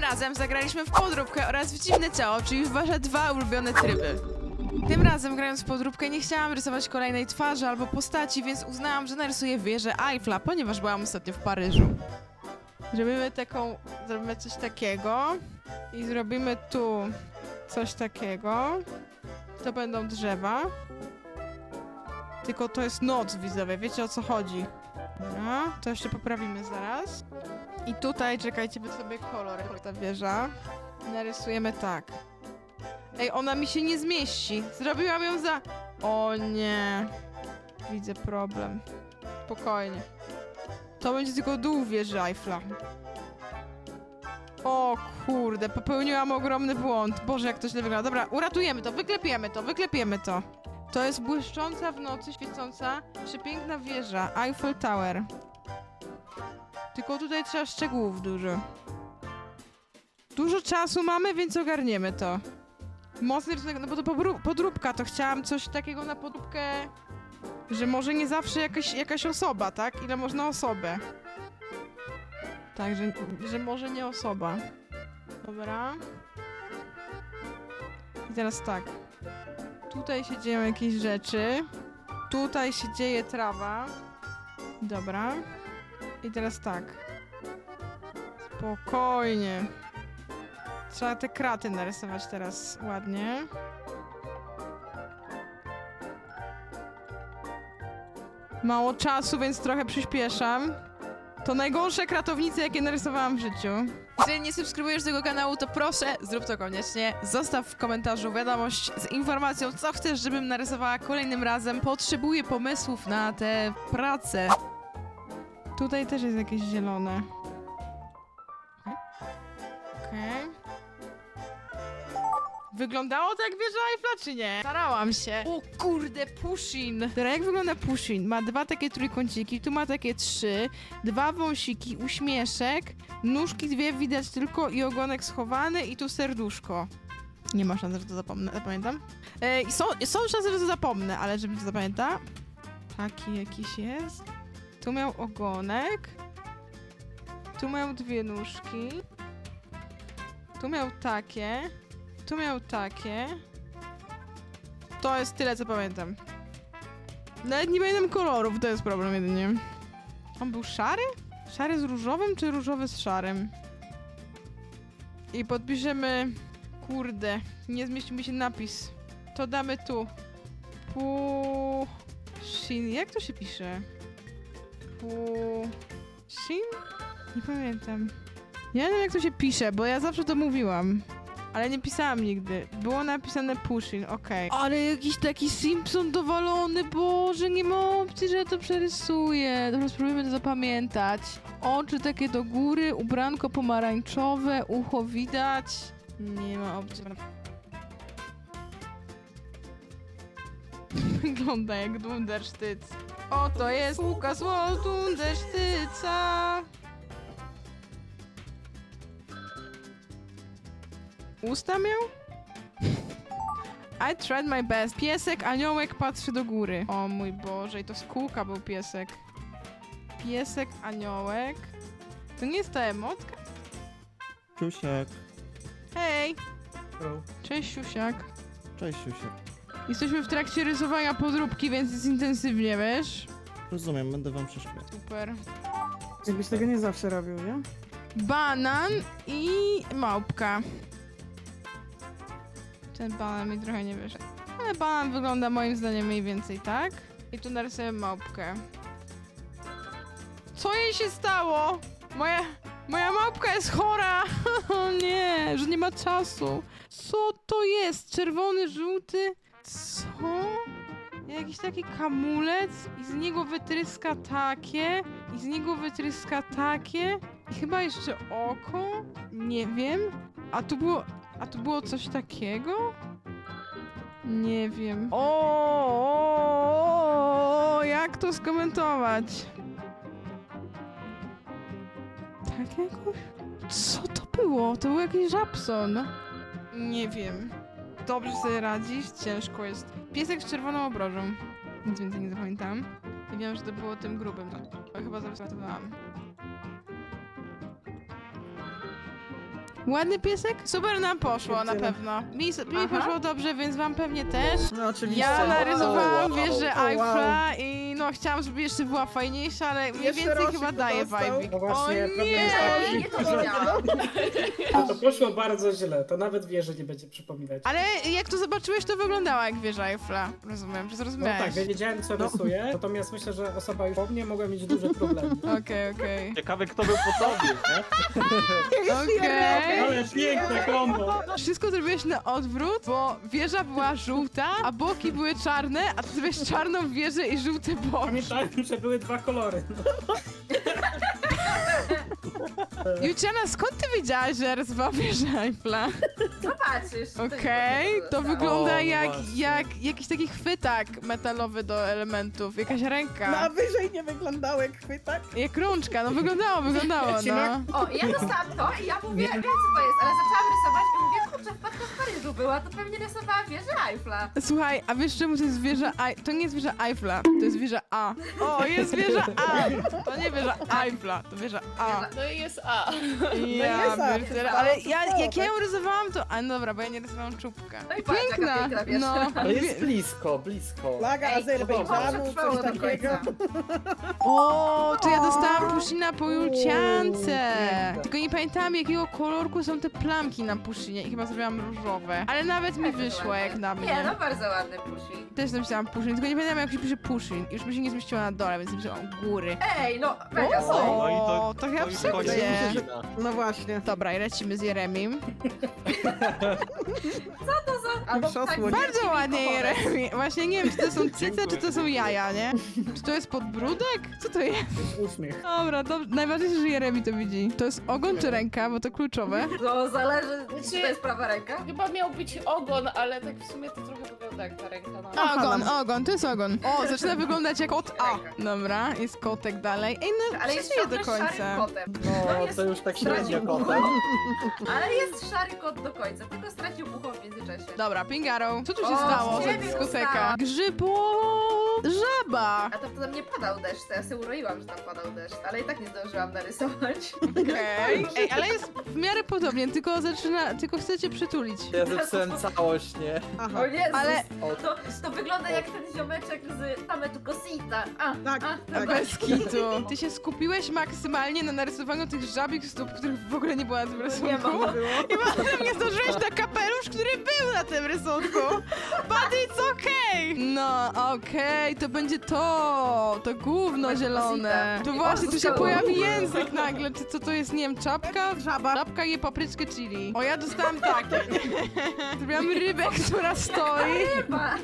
razem zagraliśmy w podróbkę oraz w dziwne ciało, czyli w wasze dwa ulubione tryby. Tym razem, grając w podróbkę, nie chciałam rysować kolejnej twarzy albo postaci, więc uznałam, że narysuję wieżę Eiffla, ponieważ byłam ostatnio w Paryżu. Zrobimy coś takiego i zrobimy tu coś takiego. To będą drzewa. Tylko to jest noc, widzowie, wiecie o co chodzi. Dobra, to jeszcze poprawimy zaraz. I tutaj, czekajcie, wy sobie kolor, jak ta wieża. Narysujemy tak. Ej, ona mi się nie zmieści. Zrobiłam ją za... O nie. Widzę problem. Spokojnie. To będzie tylko dół wieży Eiffla. O kurde, popełniłam ogromny błąd. Boże, jak to źle wygląda. Dobra, uratujemy to, wyklepiemy to. To jest błyszcząca w nocy, świecąca, przepiękna wieża, Eiffel Tower. Tylko tutaj trzeba szczegółów dużo. Dużo czasu mamy, więc ogarniemy to. Mocny rysunek, no bo to podróbka, to chciałam coś takiego na podróbkę, że może nie zawsze jakaś osoba, tak? Ile można osobę. Tak, że może nie osoba. Dobra. I teraz tak. Tutaj się dzieją jakieś rzeczy. Tutaj się dzieje trawa. Dobra. I teraz tak. Spokojnie. Trzeba te kraty narysować teraz ładnie. Mało czasu, więc trochę przyspieszam. To najgorsze kratownice, jakie narysowałam w życiu. Jeżeli nie subskrybujesz tego kanału, to proszę, zrób to koniecznie. Zostaw w komentarzu wiadomość z informacją, co chcesz, żebym narysowała kolejnym razem. Potrzebuję pomysłów na tę pracę. Tutaj też jest jakieś zielone. Okej. Wyglądało to jak wieża Eiffla, czy nie? Starałam się. O kurde, Pushin. Teraz jak wygląda Pushin? Ma dwa takie trójkąciki, tu ma takie trzy, dwa wąsiki, uśmieszek, nóżki dwie widać tylko i ogonek schowany i tu serduszko. Nie ma szans, że to zapamiętam. Są szanse, że to zapomnę, ale żebym to zapamiętał. Taki jakiś jest. Tu miał ogonek. Tu miał dwie nóżki. Tu miał takie. Tu miał takie. To jest tyle, co pamiętam. Nawet nie pamiętam kolorów, to jest problem jedynie. On był szary? Szary z różowym, czy różowy z szarym? I podpiszemy... Kurde, nie zmieścił mi się napis. To damy tu. Pushin. Jak to się pisze? Pushin? Nie pamiętam. Ja nie wiem, jak to się pisze, bo ja zawsze to mówiłam. Ale nie pisałam nigdy. Było napisane Pushin, okej. Ale jakiś taki Simpson dowalony, Boże, nie ma opcji, że ja to przerysuję. Dobra, spróbujmy to zapamiętać. Oczy takie do góry, ubranko pomarańczowe, ucho widać. Nie ma opcji. Wygląda jak Dundersztyc. Oto jest Łukasz Dundersztyca. Usta miał? I tried my best. Piesek, aniołek patrzy do góry. O mój Boże, i to z kółka był piesek. Piesek, aniołek. To nie jest ta emotka? Siusiak. Hej! Hello. Cześć, siusiak. Cześć, Siusiak. Jesteśmy w trakcie rysowania podróbki, więc jest intensywnie, wiesz? Rozumiem, będę wam przeszkadzał. Super. Jakbyś tego nie zawsze robił, nie? Banan i małpka. Ten banan mi trochę nie wyszedł. Ale banan wygląda moim zdaniem mniej więcej tak. I tu narysuję małpkę. Co jej się stało? Moja małpka jest chora! O nie, że nie ma czasu. Co to jest? Czerwony, żółty? Co? Jakiś taki kamulec i z niego wytryska takie i z niego wytryska takie i chyba jeszcze oko? Nie wiem. A tu było coś takiego? Nie wiem. Jak to skomentować? Tak jakoś? Co to było? To był jakiś Żabson. Nie wiem. Dobrze sobie radzisz? Ciężko jest. Piesek z czerwoną obrożą. Nic więcej nie zapamiętam. I wiem, że to było tym grubym. Chyba zaryzowałam. Ładny piesek? Super nam poszło na pewno. Mi poszło dobrze, więc wam pewnie też. No oczywiście. Ja narysowałam wow. wieżę wow. Eiffla i no chciałam, żeby jeszcze była fajniejsza, ale mniej Jeszcze więcej Rosik chyba to daje dostał. vibe. No O właśnie, problem nie! jest taki, Nie, to że wiedziałam. to poszło bardzo źle, to nawet wieży nie będzie przypominać. Ale jak to zobaczyłeś, to wyglądała jak wieża Eiffla. Rozumiem, że No zrozumiałeś. tak, ja wiedziałem co rysuję, natomiast myślę, że osoba już po mnie mogła mieć duże problemy. Okej. Ciekawe kto był po tobie, nie? Okej. Ale piękne kombo! Wszystko zrobiłeś na odwrót, bo wieża była żółta, a boki były czarne, a ty zrobiłeś czarną wieżę i żółte boki. Pamiętałem, że były dwa kolory. No. Juciana, skąd ty wiedziałaś, że rysowała wieżę Eiffla? Zobaczysz. Okej, to wygląda O, jak właśnie. jakiś taki chwytak metalowy do elementów, jakaś No ręka. a wyżej nie wyglądało jak chwytak? Jak rączka, no wyglądało, no. O, ja dostałam to i ja mówię, wiem co to jest, ale zaczęłam rysować i mówię, kurczę, wpadka w Paryżu była, to pewnie rysowała wieżę Eiffla. Słuchaj, a wiesz czemu to jest wieża To nie jest wieża Eiffla, to jest wieża A. O, jest wieża A! To nie wieża Eiffla, to wieża A. No i jest A. Ja jest A, pierdzielę, to ale jest jak ja ją rysowałam, to... A no dobra, bo ja nie rysowałam czubka. No i patrz, jaka piękna wieża. no. Ale jest blisko, blisko. Flaga Ej, Azerbejdżanu, trwało coś do takiego. końca. O, to ja dostałam pushina po Julciance. piękne. Tylko nie pamiętam, jakiego kolorku są te plamki na pushinie i chyba zrobiłam różowe. Ale nawet mi wyszło jak na Nie, mnie. no bardzo ładny pushi. Też napisałam pushin, tylko nie pamiętam jak się pisze pushin. Już mi się nie zmieściło na dole, więc napisałam u góry. Ej, no mega O, sobie. No i to chyba już wszędzie. koniec Nie. godzina. No właśnie. Dobra, i lecimy z Jeremim. Co to za... Albo Szosło. tak Bardzo ładnie Jeremi. Właśnie nie wiem, czy to są cyce, Dziękuję. czy to są jaja, nie? Czy to jest podbródek? Co to jest? Uśmiech. Dobra, najważniejsze, że Jeremi to widzi. To jest ogon czy ręka, bo to kluczowe. No zależy, czy to jest prawa ręka. Chyba miał być ogon, ale tak w sumie to trochę wygląda jak ta ręka. No. Ogon, to jest ogon. O, zaczyna wyglądać jak kot A. Ręka. Dobra, jest kotek dalej. Ej, no, Ale jest przeżyje ciągle do końca. szarym kotem. No, jest to już tak stracił średnio ucho. kotem. Ale jest szary kot do końca, tylko stracił ucho w międzyczasie. Dobra, Pingaro, co tu się O, stało z za ciebie dyskoteka? dostałam. Żaba! A to potem nie padał deszcz, to ja sobie uroiłam, że tam padał deszcz, ale i tak nie zdążyłam narysować. Okej. Ej, ale jest w miarę podobnie, tylko chcecie przytulić. Ja zepsułem całość, nie? Aha. O Jezus, Ale- to wygląda jak ten ziomeczek z Tametu Cosita. Tak, tak. Bez kitu. Ty się skupiłeś maksymalnie na narysowaniu tych żabich stóp, których w ogóle nie było na tym Nie rysunku. ma. Było. I potem nie zdążyłeś na kapelusz, który był na tym rysunku. But it's okay. No, okej, to będzie to gówno Będzie zielone. posita. To I właśnie, o, tu się zostało. pojawi język nagle. Czy co to jest, nie wiem, czapka? Żaba. Czapka je papryczkę chili. O, ja dostałam takie. Zrobiłam rybę, która stoi. Chyba.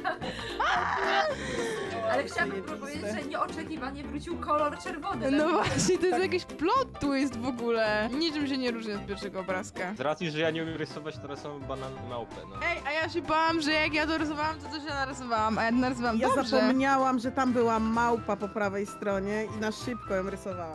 Ale chciałabym powiedzieć, że nieoczekiwanie wrócił kolor czerwony. No właśnie, to jest jakiś plot twist w ogóle. Niczym się nie różni od pierwszego obrazka. Z racji, że ja nie umiem rysować, to rysowałem banan małpę, no. Ej, a ja się bałam, że jak ja to rysowałam, to też ja narysowałam, a ja narysowałam Ja dobrze. zapomniałam, że tam była małpa po prawej stronie i na szybko ją rysowałam.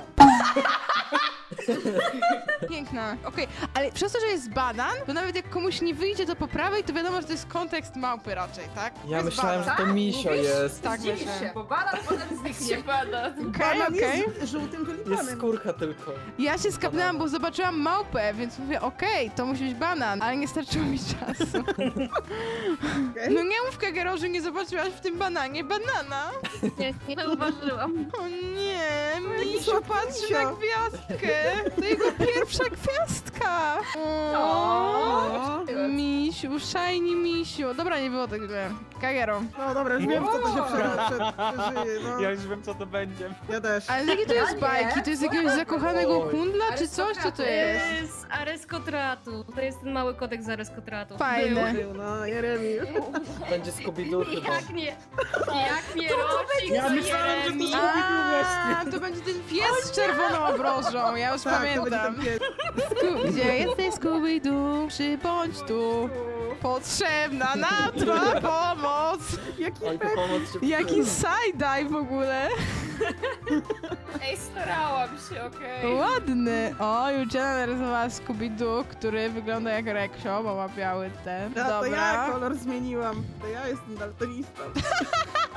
Piękna. Okej, ale przez to, że jest banan, to nawet jak komuś nie wyjdzie to po prawej, to wiadomo, że to jest kontekst małpy raczej, tak? To Ja jest myślałem, że banan. to misio Mówisz? jest. Tak, Zdziwisz myślę. się, bo banan potem Nie zniknie. pada. Okej, Banan okej. jest żółtym Jest tulipanem. skórka tylko. Ja się skapnęłam, bo zobaczyłam małpę, więc mówię, okej, to musi być banan, ale nie starczyło mi czasu. Okej. No nie mów, Kagero, że nie zobaczyłaś w tym bananie banana. Nie zauważyłam. O nie, Misiu słodki patrzy misio. na gwiazdkę. To jego pierwsza gwiazdka. O. Misiu, shiny misiu. Dobra, nie było tak źle. Kagero. No dobra, już wiem, co to się przeżyje. No, Ja już wiem, co to będzie. ja też. Ale jakie to jest nie. bajki? To jest jakiegoś zakochanego Oj. kundla, czy coś? Co to jest? Z Areskotratu. To jest ten mały kodek z Areskotratu. Fajne. Był, no, Jeremi. Będzie Scooby-Doo chyba. Jak nie? Jak nie Rosik, Ja to myślałem, że to Jeremi. A, to będzie ten pies z czerwoną obrożą, ja już Tak, to będzie pamiętam. ten pies. Gdzie jesteś, Scooby-Doo? Przybądź tu. Potrzebna nam twa pomoc. Jaki Oj, to pek. pomoc się Jaki przyda. side-dive w ogóle. Ej, starałam się, okej. Ładny. O, Juliana narysowała Scooby-Doo, który wygląda jak Reksio, bo ma biały ten. A to ja Dobra. kolor zmieniłam. To ja jestem daltonistą.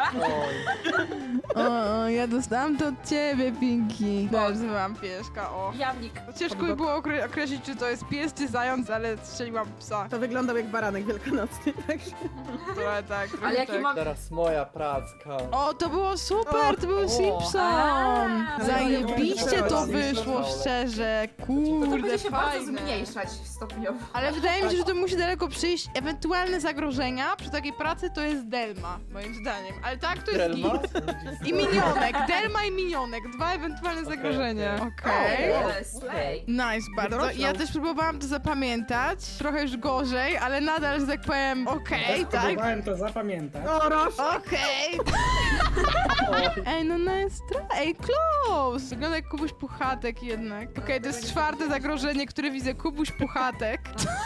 O, ja dostałam to od ciebie, Pinki. Nazywam pieska, o. Jamnik. Ciężko mi było określić, czy to jest pies, czy zając, ale strzeliłam psa. To wyglądał jak baranek wielkanocny, także... Trochę tak, trochę Ale jaki tak. mam... Teraz moja pracka. O, to było super, to był Simpson! A, Zajebiście to wyszło, Simpson. szczerze, To kurde, będzie się bardzo fajne. zmniejszać stopniowo. Ale wydaje mi się, że to musi daleko przyjść. Ewentualne zagrożenia przy takiej pracy to jest Delma, moim zdaniem. Ale tak, to jest Delma? git. I minionek, Delma i minionek, dwa ewentualne zagrożenia. Okej. Slay. Nice, bardzo. Doroślą. Ja też próbowałam to zapamiętać, trochę już gorzej, ale nadal, że tak powiem, okej, tak? Próbowałem to zapamiętać. O, Roż! Okej. Ej, no nice try. Ej, close. Wygląda jak Kubuś Puchatek jednak. Okej, to jest czwarte zagrożenie, które widzę. Kubuś Puchatek.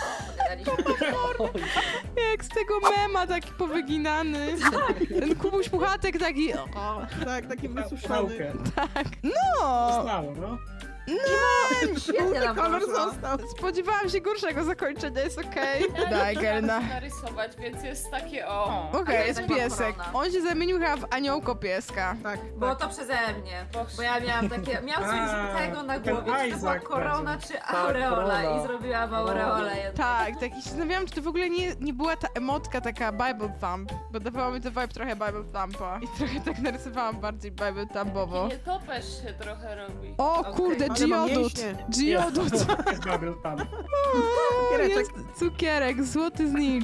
Jak z tego mema taki powyginany. Ten Kubuś Puchatek taki... O, Tak, taki wysuszony. Pałkę. tak. No! Zostało, no. Świetnie nam Kolor poszło. został. Spodziewałam się gorszego zakończenia, jest okej. Daj, Gerna. narysować, więc jest takie o. Okej, jest Taka piesek. korona. On się zamienił chyba w aniołko pieska. Tak, Było to przeze mnie, bo ja miałam takie, miałam coś A, tego na ten głowie, czy to była Isaac korona, czy aureola korona. i zrobiłam aureolę. Tak, tak. I się zastanawiałam, czy to w ogóle nie była ta emotka taka Bible Thump, bo dawało mi to vibe trochę Bible Thumpa. I trochę tak narysowałam bardziej Bible Thumpowo. Nie topesz się trochę robi. O Okej. kurde, Ale mam Geodut! mięśnie. Geodut! Jest Babel tam. Cukiereczek. Jest cukierek, złoty znicz.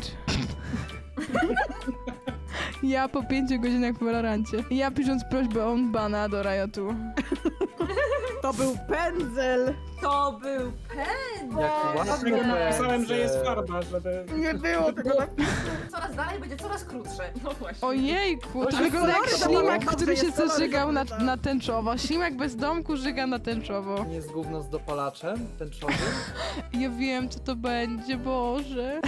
Ja po 5 godzinach po Valorancie. Ja pisząc prośbę o bana do Riotu. To był pędzel. To był pędzel. Jak ładny Dlatego napisałem, pędzel. że jest farba, żeby... Nie było tego na... Coraz dalej będzie coraz krótsze. No właśnie. Ojejku, to jest wygląda jak kolory, ślimak, dobrze, który się jest kolory, zażygał wygląda. na tęczowo. Ślimak bez domku żyga na tęczowo. Nie jest gówno z dopalaczem tęczowym? Ja wiem, co to będzie, Boże.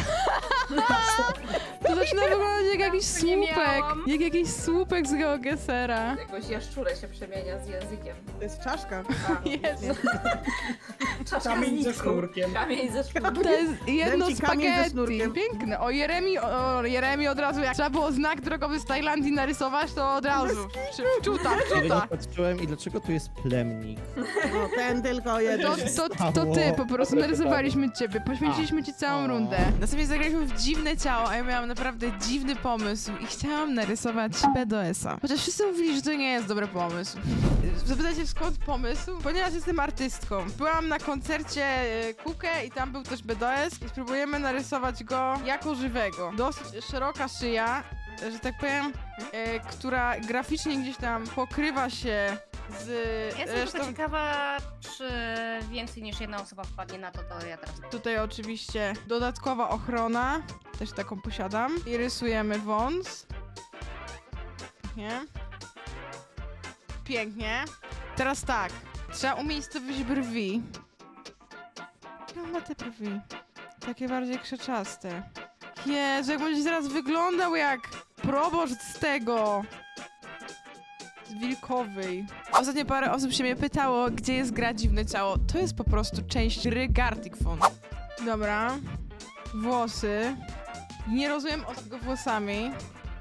To zaczyna wyglądać jak jakiś Nie słupek. miałam. Jak jakiś słupek z GeoGesera. Jakoś jaszczurę się przemienia z językiem. To jest czaszka. Jest. Czaszka Kamień z ze niczym. sznurkiem. Kamień ze sznurkiem. To jest jedno Dam ci kamień ze spaghetti. sznurkiem. Piękne. O Jeremi od razu, jak trzeba było znak drogowy z Tajlandii narysować, to od razu. Wczuta, Ja wczuta. nie patrzyłem i dlaczego tu jest plemnik? No, ten tylko jeden. To ty, po prostu narysowaliśmy ciebie, poświęciliśmy ci całą rundę. Następnie zagraliśmy w dziwne ciało, a ja miałam naprawdę dziwny pomysł i chciałam narysować BDS-a. Chociaż wszyscy mówili, że to nie jest dobry pomysł. Zapytacie skąd pomysł? Ponieważ jestem artystką. Byłam na koncercie Kukę i tam był też BDS i spróbujemy narysować go jako żywego. Dosyć szeroka szyja, że tak powiem, która graficznie gdzieś tam pokrywa się z Jestem resztą. tylko ciekawa, czy więcej niż jedna osoba wpadnie na to, to ja teraz... Tutaj oczywiście dodatkowa ochrona, też taką posiadam. I rysujemy wąs. Pięknie. Pięknie. Teraz tak, trzeba umiejscowić brwi. Jak ma te brwi? Takie bardziej krzeczaste. Jezu, jak będzie zaraz wyglądał jak proboszcz z tego. Z Wilkowej. Ostatnio parę osób się mnie pytało, gdzie jest gra Dziwne Ciało. To jest po prostu część gry Gartic Phone. Dobra. Włosy. Nie rozumiem o tego włosami.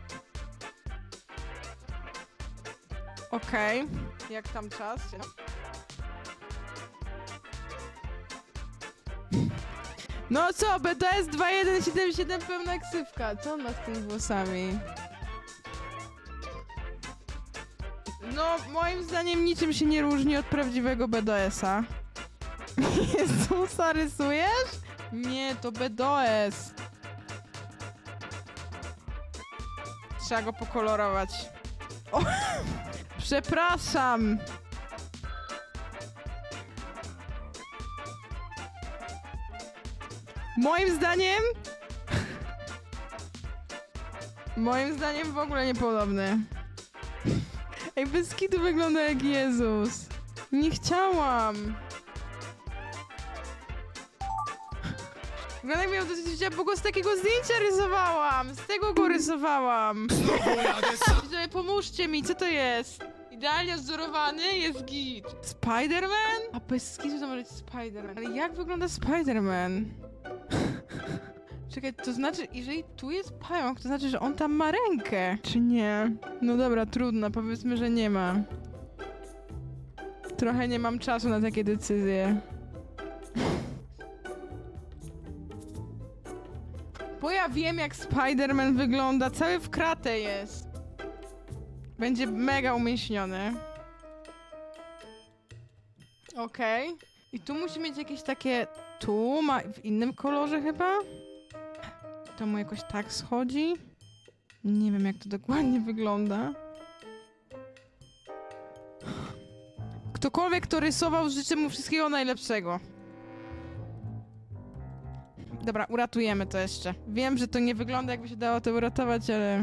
Okej. Jak tam czas? No co, BDS 2177 pełna ksywka. Co on ma z tymi włosami? No, moim zdaniem niczym się nie różni od prawdziwego BDS-a. Jezusa, rysujesz? Nie, to BDS. Trzeba go pokolorować. O, przepraszam. Moim zdaniem... Moim zdaniem w ogóle niepodobny. Ej, bez kitu wygląda jak Jezus. Nie chciałam. Wygląda jak miał dosyć życia, bo go z takiego zdjęcia rysowałam. Z tego go rysowałam. Widzowie, pomóżcie mi, co to jest? Idealnie wzorowany jest git. Spider-Man? A bez kitu to może być Spider-Man. Ale jak wygląda Spider-Man? Czekaj, to znaczy, jeżeli tu jest pająk, to znaczy, że on tam ma rękę. Czy nie? No dobra, trudno, powiedzmy, że nie ma. Trochę nie mam czasu na takie decyzje. Bo ja wiem, jak Spider-Man wygląda. Cały w kratę jest. Będzie mega umięśniony. Okej. I tu musi mieć jakieś takie... Tu ma w innym kolorze chyba? To mu jakoś tak schodzi? Nie wiem, jak to dokładnie wygląda. Ktokolwiek to rysował, życzę mu wszystkiego najlepszego. Dobra, uratujemy to jeszcze. Wiem, że to nie wygląda, jakby się dało to uratować, ale...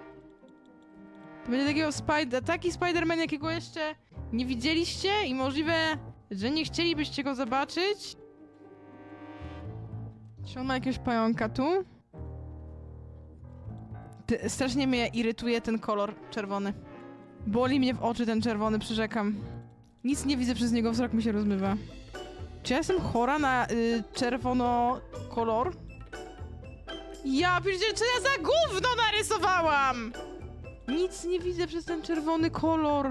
To będzie taki Spider-Man, jakiego jeszcze nie widzieliście i możliwe, że nie chcielibyście go zobaczyć. Czy on ma jakiegoś pająka tu? Strasznie mnie irytuje ten kolor czerwony. Boli mnie w oczy ten czerwony, przyrzekam. Nic nie widzę przez niego, wzrok mi się rozmywa. Czy ja jestem chora na czerwono kolor? Ja pierdzielę, czy ja za gówno narysowałam? Nic nie widzę przez ten czerwony kolor.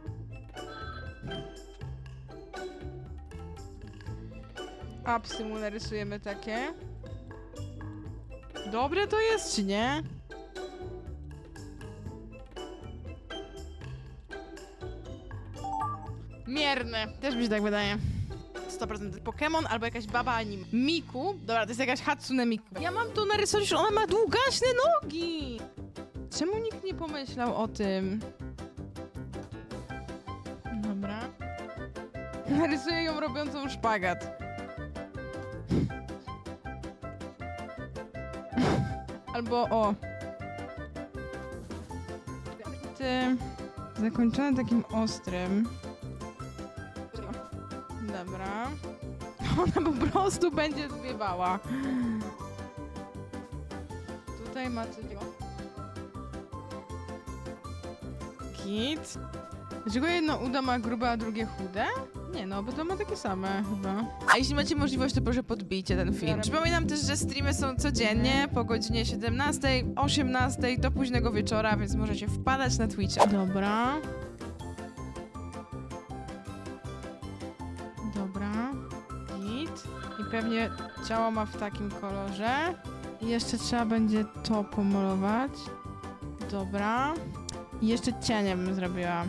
Apsy mu narysujemy takie. Dobre to jest, czy nie? Mierne. Też mi się tak wydaje. 100% Pokémon albo jakaś baba anim. Miku. Dobra, to jest jakaś Hatsune Miku. Ja mam to narysować, że ona ma długaśne nogi. Czemu nikt nie pomyślał o tym? Dobra. Narysuję ją robiącą szpagat. Albo o. Ty zakończone takim ostrym. Dobra. Ona po prostu będzie zwiewała. Tutaj ma coś. Git. Dlaczego jedno udo ma grube, a drugie chude? Nie no, bo to ma takie same chyba. A jeśli macie możliwość, to proszę podbijcie ten film. Przypominam też, że streamy są codziennie po godzinie 17, 18 do późnego wieczora, więc możecie wpadać na Twitcha. Dobra. Dobra. Git. I pewnie ciało ma w takim kolorze. I jeszcze trzeba będzie to pomalować. Dobra. I jeszcze cienie bym zrobiła.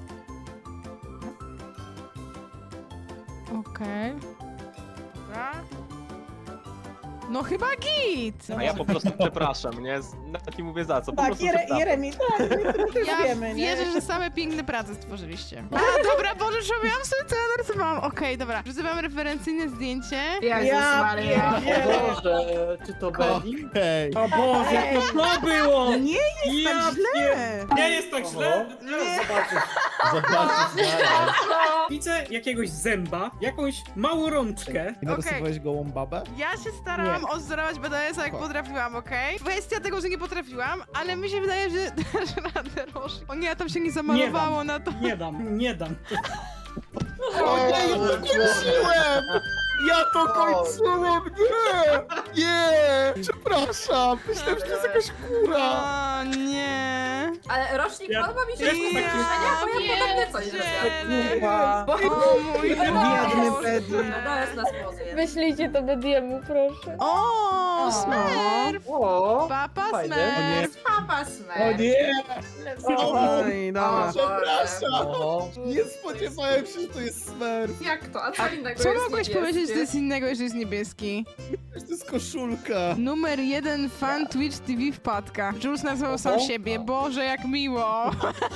Okej. Dobra. No chyba git! A ja po prostu przepraszam, nie? Nawet nie mówię za co, po Tak, prostu przepraszam. Jeremi, tak, my też Ja wiemy, nie? wierzę, że same piękne prace stworzyliście. A, dobra, Boże, robiłam sobie co ja narysowałam. Okej, dobra. Wrzucam referencyjne zdjęcie. Jezus Ja Maria. pierdzielę. Boże, czy to Benny? Hej. O Boże, jak to było! Nie jest Ja tak źle! Nie jest tak źle? Zaraz zobaczysz. Zobaczysz zaraz. Widzę jakiegoś zęba, jakąś małą rączkę. I narysowałeś gołą babę? Ja się starałam odzorować BDS-a jak potrafiłam, okej? Kwestia tego, że nie potrafiłam, ale mi się wydaje, że dasz radę, Roż. O nie, tam się nie zamalowało na to. Nie dam, nie dam. O nie, ja to kończyłem! Ja to kończyłem! Nie! Nie! Przepraszam! Myślałem, że to jest jakaś kura! O nie. Ale rocznik Ja- podoba mi się ja- rozpoczęcia, bo ja podobnie coś zrobiłam. Kurwa. O mój Biedny Boże. Pedro. BDS nas pozuje. Wyślijcie to Bediemu, proszę. O, Smurf! O, Papa Fajne. Smurf! Papa O Smer. nie! Oj, dobra. Przepraszam! o. Nie spodziewałem się, że to jest Smurf. Jak to? A co innego Co jest mogłeś niebieskie? powiedzieć, że to jest innego, że jest niebieski? To jest koszulka. Numer 1 fan Twitch TV wpadka. Jules nazywał sam Oho. siebie. Boże, jak miło!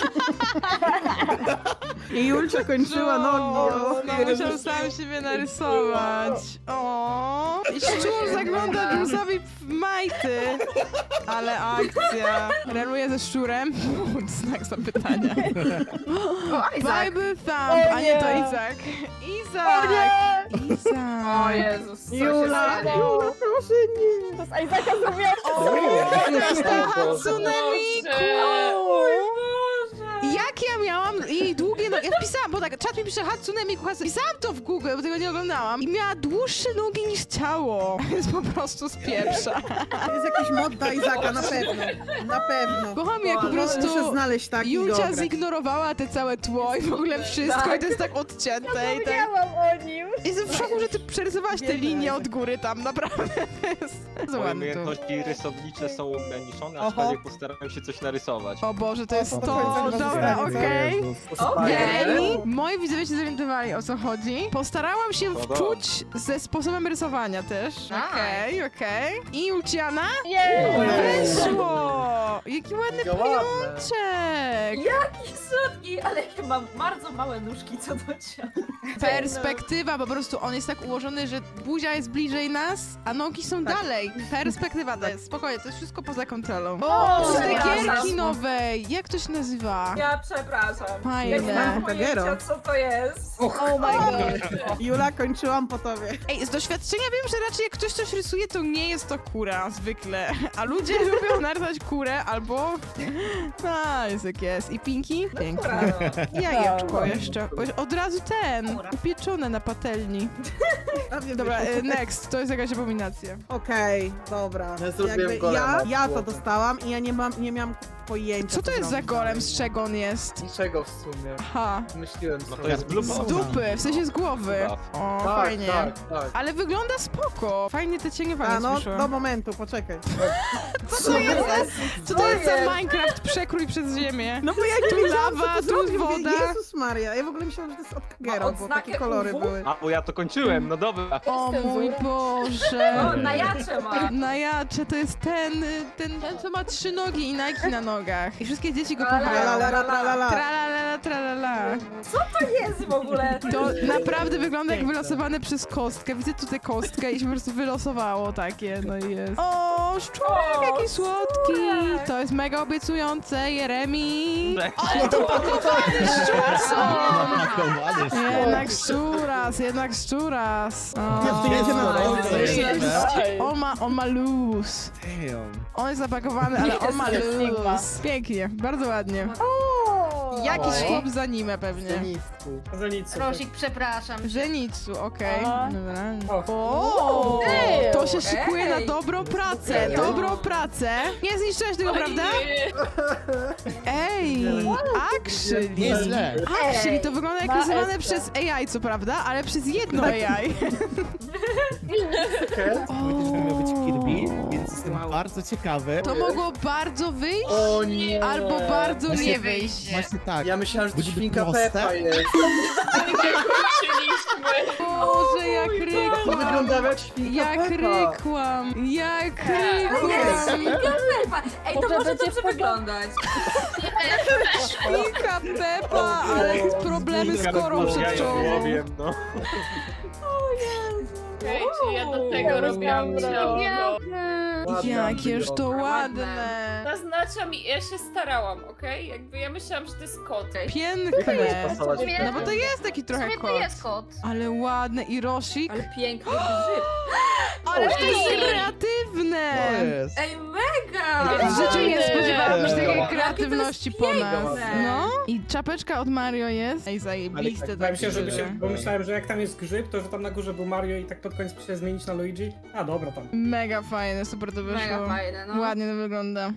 I Julcia kończyła nogi. O. No, musiał sam siebie narysować. O, i szczur zagląda Julesowi w majty. Ale akcja. Reluję ze szczurem. Znak zapytania. O, Isaac. Bible Thumb, a nie to Izak. Izak! O Izak! Jezus, co się Jula, stanie? Jula, proszę nie. To z Isaaca zrobiłaś O, to jest ta Hatsune Miku! Jak ja miałam i jej długie nogi. Ja wpisałam, bo tak, czat mi pisze Hatsune Miku Hatsune. Pisałam to w Google, bo tego nie oglądałam. I miała dłuższe nogi niż ciało. Jest po prostu z pieprza. To jest jakiś mod do Izaka, na pewno. Na pewno. Kocham jak po Muszę prostu znaleźć taki i go Julia ograć. zignorowała te całe tło i w ogóle wszystko i to jest tak odcięte i tak... o nim. Jestem w szoku, że ty przerysowałaś te Biedny linie Isaac. od góry tam, naprawdę. To jest Moje ładne to. umiejętności rysownicze są ograniczone, Oho. aczkolwiek postarałem się coś narysować. O Boże, to jest O, to. to jest Dobra, bardzo okej. Okej. Moi widzowie się zorientowali, o co chodzi. Postarałam się No dobra. wczuć ze sposobem rysowania też. Okej, okej. I Luciana? Wyszło! Jaki ładny Mega ładne. pajączek! Jaki słodki, ale chyba mam bardzo małe nóżki co do ciała. Perspektywa, po prostu on jest tak ułożony, że buzia jest bliżej nas, a nogi są dalej. Perspektywa to jest, spokojnie, to jest wszystko poza kontrolą. O, z tej przepraszam. gierki nowej! Jak to się nazywa? Ja przepraszam. Fajne. Nie mam Kagero. pojęcia co to jest. Oh my god. Jula, kończyłam po tobie. Ej, z doświadczenia wiem, że raczej jak ktoś coś rysuje, to nie jest to kura zwykle. A ludzie lubią narysować kurę albo... A, jest jak jest. I Pinki? Pięknie. Jajeczko jeszcze. Od razu ten. Kura. Upieczone na patelni. A wiem, Dobra, wiesz. next. To jest jakaś abominacja. Okej, dobra. Ja zrobiłem Jakby golema. ja to dostałam i ja nie miałam pojęcia. Co to jest za zrobić golem? dalej. Z czego on jest? Niczego w sumie. Aha. Myśliłem No to sobie. jest blue Z ball. dupy, w sensie z głowy. O, Tak, fajnie. tak, tak. Ale wygląda spoko. Fajnie te cienie A fajnie no, słyszą. do momentu, poczekaj. Co to jest? Co to jest za Minecraft przekrój przez ziemię? No bo ja nie Tu wiedziałam, lawa, co to tu zrobić. Mówię, woda. Jezus Maria, ja w ogóle myślałam, że to jest od Kagero, Ma bo odznakę takie kolory UW? były. A, bo ja to kończyłem, no dobra. O mój O, Boże. na jacze ma. Na jacze to jest ten, co ma 3 nogi i Nike na nogach. I wszystkie dzieci go kochają. Tralalala, tralala. Tralala, tralala. To jest w ogóle. To naprawdę wygląda jak wylosowane przez kostkę. Widzę tutaj kostkę i się po prostu wylosowało takie, no i jest. O, szczurek, jaki słodki. To jest mega obiecujące, Jeremi. Ale to pakowany szczurson. Jednak szczuras. O, Jedzie na on ma luz. On jest zapakowany, ale on ma luz. Pięknie, bardzo ładnie. Jakiś chłop z anime pewnie. Zenitku. Za nic. Rosik, przepraszam. Żenicu, okej. Aha. Dobra. O. O, Ej, to się okej. szykuje na dobrą pracę, dobrą pracę. Nie zniszczyłeś tego, prawda? Ej, actually. Actually, to wygląda jak rysowane przez AI, co prawda, ale przez jedno AI. Powiedział, że miał być Kirby, więc jestem bardzo ciekawy. To mogło bardzo wyjść, O nie! albo bardzo Właśnie- nie wyjść. Właśnie tak. Ja myślałem, że to Będzie świnka proste. Peppa jest. Boże, jak To rykłam. wygląda jak świnka Jak Peppa. rykłam. Jak rykłam. Ej, to może dobrze wyglądać. Świnka Peppa, ale problemy z korą przedczołową. Wiem, no. Okej, czy ja do tego robiłam ciało. Ładne, Jakież to ładne. ładne. Zaznaczam i ja się starałam, okej? Jakby ja myślałam, że to jest kot. Piękne. Pasować. No bo to jest taki W trochę sumie to kot. jest kot. Ale ładne i Rosik. Ale piękny grzyb. Ale to jest Ej. kreatywne. To jest. Ej, mega! W życiu nie spodziewałam się takiej Jakie kreatywności to po jest nas. piękne. No. I czapeczka od Mario jest. Ej, zajebiste Ja takie myślę, żeby się, rzeczy. bo myślałem, że jak tam jest grzyb, to że tam na górze był Mario i tak pod koniec się zmienić na Luigi. A dobra tam. Mega fajne, super to Mega wyszło. fajne, no. Ładnie to wygląda.